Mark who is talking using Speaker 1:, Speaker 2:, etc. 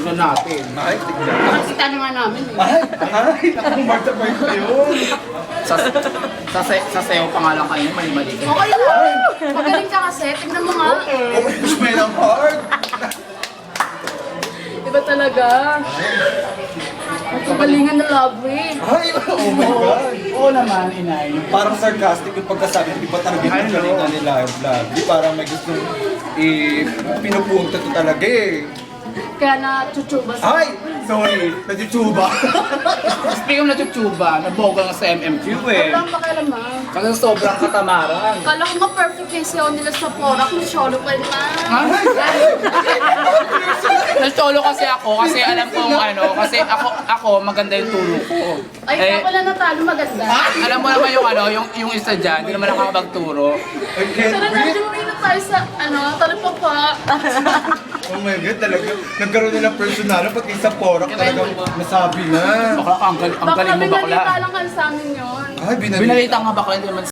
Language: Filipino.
Speaker 1: Tignan natin.
Speaker 2: Ay, tignan.
Speaker 3: Nakakita na nga namin eh.
Speaker 2: Ay, nakang martabay ko yun.
Speaker 1: Sa sayo pa nga lang kayo, mali-mali ka.
Speaker 3: Okay lang. Magaling ka kasi. Tignan mo nga.
Speaker 2: Oh, push me ng hard.
Speaker 3: Iba talaga. Magkagalingan na love eh.
Speaker 2: Ay, oh my God.
Speaker 1: Oo naman, inay.
Speaker 2: Parang sarcastic yung pagkasabi, di ba talaga yung galingan nila yung vlog? Di parang may gustong pinupunta to talaga eh.
Speaker 3: Kaya na chuchuba sa...
Speaker 2: Ay! Sorry, najutuba.
Speaker 1: Speaking na chuchuba, naboga nga sa MMQ eh.
Speaker 3: Wala ang pakialaman.
Speaker 1: Kasi sobrang katamaran.
Speaker 3: Kala ko ma-perfect yung sayo nila sa Porak. Masyolo pa na.
Speaker 1: Nag-solo kasi ako kasi alam kong ano, kasi ako maganda yung turo ko.
Speaker 3: Ay, kaya pala natalo maganda.
Speaker 1: Alam mo naman yung ano, yung isa dyan, hindi naman nakakapagturo.
Speaker 2: I can't
Speaker 3: Tara na,
Speaker 2: breathe.
Speaker 3: dumingin na tayo sa, talipapa.
Speaker 2: Oh my God, talaga. Nagkaroon nila personal, pati sa Porak talagang nasabi na.
Speaker 1: Bakla ka, ang galing
Speaker 3: Baka
Speaker 1: mo bakla.
Speaker 3: binalita lang kayo sa amin yun.
Speaker 2: Ay,
Speaker 1: Binalita nga bakla, hindi naman